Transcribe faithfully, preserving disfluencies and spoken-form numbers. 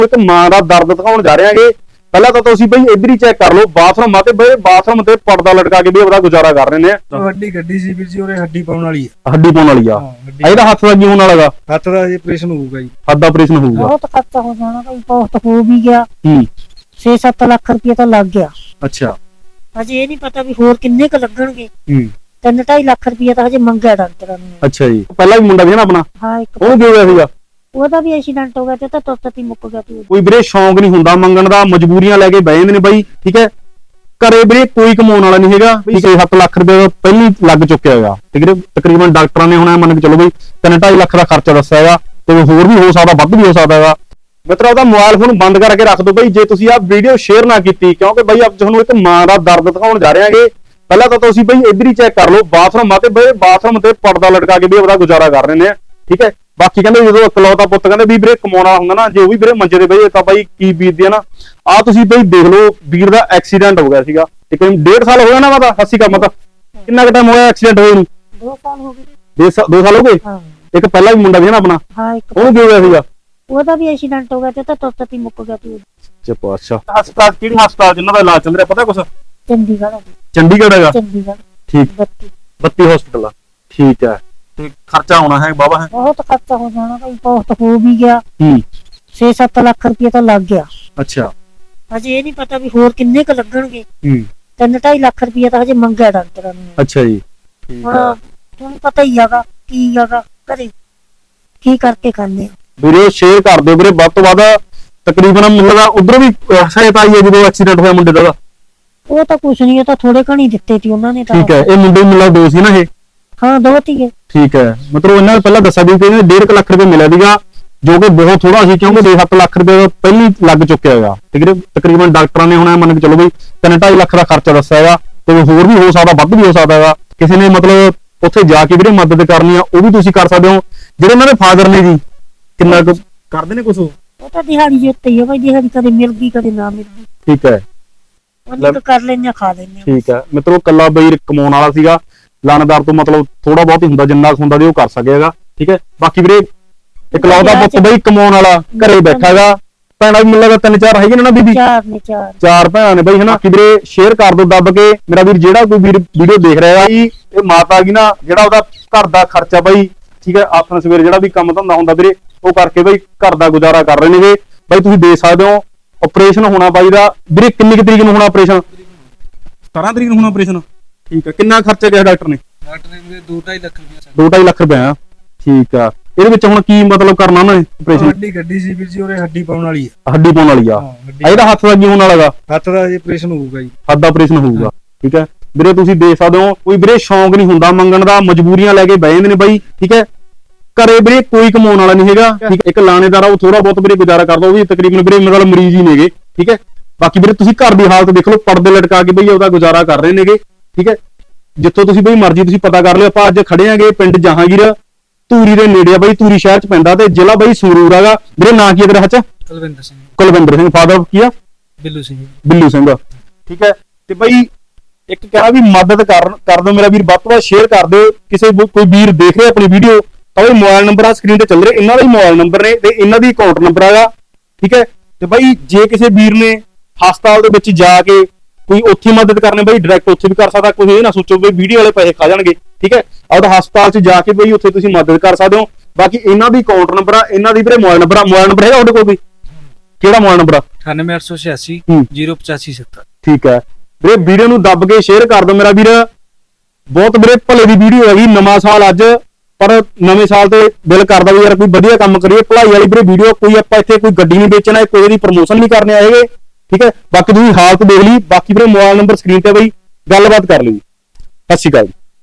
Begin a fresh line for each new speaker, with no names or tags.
ਇੱਕ ਮਾਂ ਦਾ ਦਰਦ ਦਿਖਾਉਣ ਜਾ ਰਹੇ ਹਾਂਗੇ। ਪਹਿਲਾਂ ਤਾਂ ਤੁਸੀਂ ਬਈ ਇੱਧਰ ਹੀ ਚੈੱਕ ਕਰ ਲਓ ਬਾਥਰੂਮ ਆ ਤੇ ਬਈ ਬਾਥਰੂਮ ਤੇ ਪਰਦਾ ਲਟਕਾ ਕੇ ਵੀ ਉਹਦਾ ਗੁਜ਼ਾਰਾ ਕਰ ਰਹੇ ਨੇ।
ਵੱਡੀ ਗੱਡੀ ਸੀ ਵੀਰ ਜੀ, ਉਹਰੇ ਹੱਡੀ ਪਾਉਣ ਵਾਲੀ ਆ।
ਹੱਡੀ ਪਾਉਣ ਵਾਲੀ ਆ। ਇਹਦਾ ਹੱਥ ਦਾ ਕੀ ਹੋਣ ਵਾਲਾਗਾ?
ਹੱਥ ਦਾ ਜੀ ਆਪਰੇਸ਼ਨ ਹੋਊਗਾ ਜੀ।
ਹੱਥ ਦਾ ਆਪਰੇਸ਼ਨ ਹੋਊਗਾ।
ਬਹੁਤ ਖਰਚਾ ਹੋ ਜਾਣਾ ਭਾਈ, ਬਹੁਤ ਹੋ ਵੀ ਗਿਆ।
ਹੂੰ
ਛੇ ਸੱਤ ਲੱਖ ਰੁਪਏ ਤਾਂ ਲੱਗ ਗਿਆ।
ਅੱਛਾ
ਹਜੇ ਇਹ ਨਹੀਂ ਪਤਾ ਵੀ ਹੋਰ ਕਿੰਨੇ ਕ ਲੱਗਣਗੇ।
ਹੂੰ
ਤਿੰਨ ਢਾਈ ਲੱਖ ਰੁਪਏ ਤਾਂ ਹਜੇ ਮੰਗਿਆ ਡਾਕਟਰਾਂ ਨੇ।
ਅੱਛਾ ਜੀ, ਪਹਿਲਾਂ ਵੀ ਮੁੰਡਾ ਸੀ ਨਾ ਆਪਣਾ,
ਹਾਂ ਇੱਕ
ਉਹ ਕੀ ਹੋਇਆ ਸੀਗਾ?
ਉਹਦਾ ਵੀ ਐਕਸੀਡੈਂਟ ਹੋ ਗਿਆ ਤੇ ਤਾਂ ਤੁਰਤ ਹੀ ਮੁੱਕ ਗਿਆ ਸੀ।
ਕੋਈ ਵੀਰੇ ਸ਼ੌਂਕ ਨਹੀਂ ਹੁੰਦਾ ਮੰਗਣ ਦਾ, ਮਜਬੂਰੀਆਂ ਲੈ ਕੇ ਬਹਿ ਜਾਂਦੇ ਨੇ ਬਾਈ। ਠੀਕ ਹੈ, ਘਰੇ ਵੀਰੇ ਕੋਈ ਕਮਾਉਣ ਵਾਲਾ ਨਹੀਂ ਹੈਗਾ। ਛੇ ਸੱਤ ਲੱਖ ਰੁਪਏ ਦਾ ਪਹਿਲਾਂ ਹੀ ਲੱਗ ਚੁੱਕਿਆ ਹੈਗਾ। ਠੀਕ ਹੈ, ਤਕਰੀਬਨ ਡਾਕਟਰਾਂ ਨੇ ਹੁਣ ਮੰਨ ਕੇ ਚਲੋ ਬਈ ਤਿੰਨ ਢਾਈ ਲੱਖ ਦਾ ਖਰਚਾ ਦੱਸਿਆ ਹੈਗਾ ਤੇ ਹੋਰ ਵੀ ਹੋ ਸਕਦਾ, ਵੱਧ ਵੀ ਹੋ ਸਕਦਾ ਹੈਗਾ। ਮਿੱਤਰੋ ਉਹਦਾ ਮੋਬਾਈਲ ਫੋਨ ਬੰਦ ਕਰਕੇ ਰੱਖ ਦਿਓ ਬਈ ਜੇ ਤੁਸੀਂ ਆਹ ਵੀਡੀਓ ਸ਼ੇਅਰ ਨਾ ਕੀਤੀ, ਕਿਉਂਕਿ ਬਈ ਅੱਜ ਤੁਹਾਨੂੰ ਇੱਕ ਮਾਂ ਦਾ ਦਰਦ ਦਿਖਾਉਣ ਜਾ ਰਹੇ ਹਾਂਗੇ। ਪਹਿਲਾਂ ਤਾਂ ਤੁਸੀਂ ਬਈ ਇੱਧਰ ਹੀ ਚੈੱਕ ਕਰ ਲਓ ਬਾਥਰੂਮ ਆ ਤੇ ਬਈ ਬਾਥਰੂਮ ਤੇ ਪਰਦਾ ਲਟਕਾ ਕੇ ਵੀ ਉਹਦਾ ਗੁਜ਼ਾਰਾ ਕਰ ਰਹੇ ਨੇ। ਠੀਕ ਹੈ, ਬਾਕੀ ਕਹਿੰਦੇ ਜਦੋਂ ਇਕਲੌਤਾ ਪੁੱਤ ਕਹਿੰਦੇ ਵੀ ਵੀਰੇ ਕਮਾਉਣਾ ਹੁੰਦਾ ਨਾ, ਜੇ ਉਹ ਵੀ ਵੀਰੇ ਮੰਜੇ ਦੇ ਬਈ ਤਾਂ ਬਾਈ ਕੀ ਬੀਤਦੀ ਆ ਨਾ। ਆਹ ਤੁਸੀਂ ਬਈ ਦੇਖ ਲਓ ਵੀਰ ਦਾ ਐਕਸੀਡੈਂਟ ਹੋ ਗਿਆ ਸੀਗਾ। ਠੀਕ ਹੈ, ਡੇਢ ਸਾਲ ਹੋ ਗਿਆ ਨਾ ਮਾਤਾ, ਹੱਸੀ ਕੰਮ ਤਾਂ ਕਿੰਨਾ ਕੁ ਟਾਈਮ ਹੋਇਆ ਐਕਸੀਡੈਂਟ ਹੋਏ ਨੂੰ?
ਦੋ ਸਾਲ ਹੋ ਗਏ।
ਦੋ ਸਾਲ ਹੋ ਗਏ।
ਹਾਂ
ਇੱਕ ਪਹਿਲਾਂ ਵੀ ਮੁੰਡਾ ਸੀ ਨਾ ਆਪਣਾ,
ਹਾਂ ਇੱਕ
ਉਹਨੂੰ ਕੀ ਹੋਇਆ ਸੀਗਾ?
ਉਹਦਾ ਵੀ ਐਕਸੀਡੈਂਟ ਹੋ ਗਿਆ ਤੇ ਤਾਂ ਤੁਰਤ ਹੀ ਮੁੱਕ ਗਿਆ ਸੀ।
ਚੱਪੋ ਅੱਛਾ, ਹਸਪਤਾਲ ਕਿਹੜੀ ਹਸਪਤਾਲ ਜਿੰਨਾ ਦਾ ਇਲਾਜ ਚੱਲ ਰਿਹਾ ਪਤਾ ਕੁਛ?
ਚੰਡੀਗੜ੍ਹ ਆ।
ਚੰਡੀਗੜ੍ਹ ਹੈਗਾ।
ਚੰਡੀਗੜ੍ਹ
ਠੀਕ,
ਬੱਤੀ
ਬੱਤੀ ਹਸਪਤਾਲ ਆ। ਠੀਕ ਹੈ, ਤੇ ਖਰਚਾ ਆਉਣਾ ਹੈ ਬਾਬਾ ਹੈ?
ਬਹੁਤ ਖਰਚਾ ਹੋ ਜਾਣਾ ਭਾਈ, ਬਹੁਤ ਹੋ ਵੀ ਗਿਆ।
ਹੂੰ
ਛੇ ਸੱਤ ਲੱਖ ਰੁਪਏ ਤਾਂ ਲੱਗ ਗਿਆ।
ਅੱਛਾ
ਹਜੇ ਇਹ ਨਹੀਂ ਪਤਾ ਵੀ ਹੋਰ ਕਿੰਨੇ ਕ ਲੱਗਣਗੇ।
ਹੂੰ
ਤਿੰਨ ਢਾਈ ਲੱਖ ਰੁਪਏ ਤਾਂ ਹਜੇ ਮੰਗਿਆ ਡਾਕਟਰਾਂ ਨੇ।
ਅੱਛਾ ਜੀ, ਠੀਕ
ਹੁਣ
ਹੈ
ਤੁਹਾਨੂੰ ਪਤਾ ਹੀ ਹੈਗਾ ਕੀ ਹੈਗਾ, ਘਰੇ ਕੀ ਕਰਕੇ ਖਾਂਦੇ ਆ।
ਵੀਰੇ ਸ਼ੇਅਰ ਕਰ ਦਿਓ ਵੀਰੇ ਵੱਧ ਤੋਂ ਵੱਧ। ਤਕਰੀਬਨ ਮੁੰਡੇ ਦਾ ਉਧਰ ਵੀ ਸਹਾਇਤਾ ਆਈ ਹੈ ਜਦੋਂ ਐਕਸੀਡੈਂਟ ਹੋਇਆ ਮੁੰਡੇ ਦਾ।
ਉਹ ਤਾਂ ਕੁਛ ਨਹੀਂ, ਉਹ ਤਾਂ ਥੋੜੇ ਘਣੀ ਦਿੱਤੇ ਸੀ ਉਹਨਾਂ ਨੇ ਤਾਂ।
ਠੀਕ ਹੈ, ਇਹ ਮੁੰਡੇ ਨੂੰ ਮਿਲਾ ਦੋ ਸੀ ਨਾ ਇਹ?
ਹਾਂ ਦੋ ਤੀਏ।
ਠੀਕ ਹੈ, ਮਤਲਬ ਇਹਨਾਂ ਨੇ ਪਹਿਲਾਂ ਦੱਸਿਆ ਵੀ ਕਿ ਡੇਢ ਲੱਖ ਰੁਪਏ ਮਿਲਿਆ ਸੀਗਾ, ਜੋ ਕਿ ਬਹੁਤ ਥੋੜਾ ਸੀ ਕਿਉਂਕਿ ਛੇ ਸੱਤ ਲੱਖ ਰੁਪਏ ਪਹਿਲਾਂ ਹੀ ਲੱਗ ਚੁੱਕਿਆ ਹੈਗਾ। ਠੀਕ ਹੈ, ਤਕਰੀਬਨ ਡਾਕਟਰਾਂ ਨੇ ਹੁਣ ਮੰਨ ਕੇ ਚਲੋ ਬਈ ਤਿੰਨ ਢਾਈ ਲੱਖ ਦਾ ਖਰਚਾ ਦੱਸਿਆ ਹੈਗਾ ਤੇ ਹੋਰ ਵੀ ਹੋ ਸਕਦਾ, ਵੱਧ ਵੀ ਹੋ ਸਕਦਾ ਹੈਗਾ। ਕਿਸੇ ਨੇ ਮਤਲਬ ਉੱਥੇ ਜਾ ਕੇ ਵੀਰੇ ਮਦਦ ਕਰਨੀ ਆ ਉਹ ਵੀ ਤੁਸੀਂ ਕਰ ਸਕਦੇ ਹੋ। ਜਿਹੜੇ ਉਹਨਾਂ ਦੇ ਫਾਦਰ ਨੇ ਜੀ ਕਿੰਨਾ ਕੁ ਕਰਦੇ ਨੇ ਕੁਛ?
ਉਹ ਤਾਂ ਦਿਹਾੜੀ ਦੇ ਉੱਤੇ ਹੀ ਆ ਭਾਈ, ਦਿਹਾੜੀ ਕਦੇ ਮਿਲ ਗਈ ਕਦੇ ਨਾ ਮਿਲ ਗਈ।
ਠੀਕ ਹੈ,
ਉਹਨੇ ਤਾਂ ਕਰ ਲੈਣੇ ਖਾ ਲੈਣੇ।
ਠੀਕ ਹੈ ਮਿੱਤਰੋ, ਕੱਲਾ ਬਈ ਕਮਾਉਣ ਵਾਲਾ ਸੀਗਾ, ਲਾਣੇਦਾਰ ਤੋਂ ਮਤਲਬ ਥੋੜਾ ਬਹੁਤ ਹੀ ਹੁੰਦਾ, ਜਿੰਨਾ ਹੁੰਦਾ ਸੀ ਉਹ ਕਰ ਸਕੇਗਾ। ਠੀਕ ਹੈ, ਬਾਕੀ ਵੀਰੇ ਇਕਲੌਤਾ ਪੁੱਤ ਬਈ ਕਮਾਉਣ ਵਾਲਾ ਘਰੇ ਬੈਠਾ ਹੈਗਾ। ਭੈਣਾਂ ਵੀ ਮਿਲਦਾ ਤਿੰਨ ਚਾਰ ਹੈਗੇ ਨੇ ਨਾ ਬੀਬੀ?
ਚਾਰ ਨੇ ਚਾਰ
ਚਾਰ ਭੈਣਾਂ ਨੇ ਬਈ ਹਨਾ। ਕਿ ਵੀਰੇ ਸ਼ੇਅਰ ਕਰ ਦਿਓ ਦੱਬ ਕੇ। ਮੇਰਾ ਵੀਰ ਜਿਹੜਾ ਕੋਈ ਵੀਰ ਵੀਡੀਓ ਦੇਖ ਰਿਹਾ ਜੀ, ਇਹ ਮਾਤਾ ਕੀ ਨਾ ਜਿਹੜਾ ਉਹਦਾ ਘਰ ਦਾ ਖਰਚਾ ਬਈ, ਠੀਕ ਹੈ, ਆਥਣ ਸਵੇਰ ਜਿਹੜਾ ਵੀ ਕੰਮ ਧੰਦਾ ਹੁੰਦਾ ਵੀਰੇ ਉਹ ਕਰਕੇ ਬਈ ਘਰ ਦਾ ਗੁਜ਼ਾਰਾ ਕਰ ਰਹੇ ਨੇਗੇ। ਬਈ ਤੁਸੀਂ ਦੇਖ ਸਕਦੇ ਹੋ ਆਪਰੇਸ਼ਨ ਹੋਣਾ ਬਾਈ ਦਾ। ਵੀਰੇ ਕਿੰਨੀ ਕੁ ਤਰੀਕ ਨੂੰ ਹੋਣਾ ਆਪਰੇਸ਼ਨ? ਸਤਾਰਾਂ ਤਰੀਕ ਨੂੰ ਹੋਣਾ ਆਪਰੇਸ਼ਨ। ਠੀਕ ਹੈ, ਕਿੰਨਾ ਖਰਚਾ ਕਿਹਾ ਡਾਕਟਰ ਨੇ?
ਡਾਕਟਰ ਨੇ ਵੀਰੇ ਦੋ ਢਾਈ ਲੱਖ ਰੁਪਏ।
ਦੋ ਢਾਈ ਲੱਖ ਰੁਪਏ ਆ। ਠੀਕ ਆ, ਇਹਦੇ ਵਿੱਚ ਹੁਣ ਕੀ ਮਤਲਬ ਕਰਨਾ ਉਹਨਾਂ ਨੇ ਆਪਰੇਸ਼ਨ?
ਵੱਡੀ ਗੱਡੀ ਸੀ ਵੀਰ ਜੀ, ਉਹਰੇ ਹੱਡੀ ਪਾਉਣ ਵਾਲੀ ਆ।
ਹੱਡੀ ਪਾਉਣ ਵਾਲੀ ਆ। ਇਹਦਾ ਹੱਥ ਦਾ ਕੀ ਹੋਣ ਵਾਲਾਗਾ?
ਹੱਥ ਦਾ ਜੀ ਆਪਰੇਸ਼ਨ ਹੋਊਗਾ ਜੀ।
ਹੱਥ ਦਾ ਆਪਰੇਸ਼ਨ ਹੋਊਗਾ। ਠੀਕ ਹੈ ਵੀਰੇ, ਤੁਸੀਂ ਦੇਖ ਸਕਦੇ ਹੋ ਕੋਈ ਵੀਰੇ ਸ਼ੌਂਕ ਨਹੀਂ ਹੁੰਦਾ ਮੰਗਣ ਦਾ, ਮਜਬੂਰੀਆਂ ਲੈ ਕੇ ਬਹਿ ਜਾਂਦੇ ਨੇ ਬਾਈ। ਠੀਕ ਹੈ, ਘਰੇ ਵੀਰੇ ਕੋਈ ਕਮਾਉਣ ਵਾਲਾ ਨਹੀਂ ਹੈਗਾ। ਠੀਕ, ਇੱਕ ਲਾਣੇਦਾਰ ਆ ਉਹ ਥੋੜਾ ਬਹੁਤ ਵੀਰੇ ਗੁਜ਼ਾਰਾ ਕਰਦਾ, ਉਹ ਵੀ ਤਕਰੀਬਨ ਵੀਰੇ ਮਤਲਬ ਮਰੀਜ਼ ਹੀ ਨੇਗੇ। ਠੀਕ ਹੈ, ਬਾਕੀ ਵੀਰੇ ਤੁਸੀਂ ਘਰ ਦੀ ਹਾਲਤ ਦੇਖ ਲਓ, ਪਰਦੇ ਲਟਕਾ ਕੇ ਬਈ ਉਹਦਾ ਗੁਜ਼ਾਰਾ ਕਰ ਰਹੇ ਨੇਗੇ। ਠੀਕ ਹੈ, ਜਿੱਥੋਂ ਤੁਸੀਂ ਬਈ ਮਰਜ਼ੀ ਤੁਸੀਂ ਪਤਾ ਕਰ ਲਿਓ। ਆਪਾਂ ਅੱਜ ਖੜੇ ਆਂਗੇ ਪਿੰਡ ਜਹਾਂਗੀਰ, ਧੂਰੀ ਦੇ ਨੇੜੇ ਆ ਬਈ, ਧੂਰੀ ਸ਼ਹਿਰ ਚ ਪੈਂਦਾ ਤੇ ਜ਼ਿਲ੍ਹਾ ਬਈ ਸੰਗਰੂਰ ਹੈਗਾ। ਵੀਰੇ ਨਾਂ ਕੀ ਹੈ ਤੇਰਾ? ਹੱਚ
ਕੁਲਵਿੰਦਰ ਸਿੰਘ।
ਕੁਲਵਿੰਦਰ ਸਿੰਘ। ਫਾਦਰ ਕੀ ਆ?
ਬਿੱਲੂ ਸਿੰਘ।
ਬਿੱਲੂ ਸਿੰਘ। ਠੀਕ ਹੈ, ਤੇ ਬਈ ਇੱਕ ਕਹਿਣਾ ਵੀ ਮਦਦ ਕਰ ਕਰ ਦਿਓ ਮੇਰਾ ਵੀਰ, ਵੱਧ ਤੋਂ ਵੱਧ ਸ਼ੇਅਰ ਕਰ ਦਿਓ। ਕਿਸੇ ਕੋਈ ਵੀਰ ਦੇਖ ਰਿਹਾ ਆਪਣੀ ਵੀਡੀਓ ਤਾਂ ਉਹ ਮੋਬਾਈਲ ਨੰਬਰ ਆ ਸਕਰੀਨ ਤੇ ਚੱਲ ਰਿਹਾ, ਇਹਨਾਂ ਦਾ ਹੀ ਮੋਬਾਈਲ ਨੰਬਰ ਨੇ ਤੇ ਇਹਨਾਂ ਦੀ ਅਕਾਊਂਟ ਨੰਬਰ ਹੈਗਾ। ਠੀਕ ਹੈ, ਤੇ ਬਈ ਜੇ ਕਿਸੇ ਵੀਰ ਨੇ ਹਸਪਤਾਲ ਦੇ ਵਿੱਚ ਜਾ ਕੇ ਕੋਈ ਉੱਥੇ ਮਦਦ ਕਰਨੀ ਬਈ ਡਾਇਰੈਕਟ ਉੱਥੇ ਵੀ ਕਰ ਸਕਦਾ। ਕੋਈ ਇਹ ਨਾ ਸੋਚੋ ਵੀ ਵੀਡੀਓ ਵਾਲੇ ਪੈਸੇ ਖਾ ਜਾਣਗੇ। ਠੀਕ ਹੈ, ਆਪਦਾ ਹਸਪਤਾਲ 'ਚ ਜਾ ਕੇ ਬਈ ਉੱਥੇ ਤੁਸੀਂ ਮਦਦ ਕਰ ਸਕਦੇ ਹੋ। ਬਾਕੀ ਇਹਨਾਂ ਦੀ ਅਕਾਊਂਟ ਨੰਬਰ ਆ, ਇਹਨਾਂ ਦੀ ਵੀਰੇ ਮੋਬਾਈਲ ਨੰਬਰ ਆ। ਮੋਬਾਈਲ ਨੰਬਰ ਹੈਗਾ ਤੁਹਾਡੇ ਕੋਲ ਵੀ? ਕਿਹੜਾ ਮੋਬਾਈਲ ਨੰਬਰ ਆ?
ਅਠਾਨਵੇਂ ਅੱਠ ਸੌ ਛਿਆਸੀ ਜ਼ੀਰੋ ਪਚਾਸੀ ਸੱਤਰ।
ਠੀਕ ਹੈ ਵੀਰੇ, ਵੀਡੀਓ ਨੂੰ ਦੱਬ ਕੇ ਸ਼ੇਅਰ ਕਰ ਦਿਓ ਮੇਰਾ ਵੀਰ। ਬਹੁਤ ਵੀਰੇ ਭਲੇ ਦੀ ਵੀਡੀਓ ਹੈਗੀ, ਨਵਾਂ ਸਾਲ ਅੱਜ, ਪਰ ਨਵੇਂ ਸਾਲ ਤੇ ਦਿਲ ਕਰਦਾ ਵੀ ਯਾਰ ਕੋਈ ਵਧੀਆ ਕੰਮ ਕਰੀਏ, ਭਲਾਈ ਵਾਲੀ ਵੀਰੇ ਵੀਡੀਓ। ਕੋਈ ਆਪਾਂ ਇੱਥੇ ਕੋਈ ਗੱਡੀ ਨਹੀਂ ਵੇਚਣਾ, ਕੋਈ ਦੀ ਪ੍ਰਮੋਸ਼ਨ ਨਹੀਂ ਕਰਨੇ ਆਏਗੇ। ਠੀਕ ਹੈ, ਬਾਕੀ ਤੁਸੀਂ ਹਾਲਤ ਦੇਖ ਲਈ। ਬਾਕੀ ਵੀਰੇ ਮੋਬਾਈਲ ਨੰਬਰ ਸਕਰੀਨ ਤੇ ਬਈ ਗੱਲਬਾਤ ਕਰ ਲਈ। ਸਤਿ ਸ਼੍ਰੀ ਅਕਾਲ।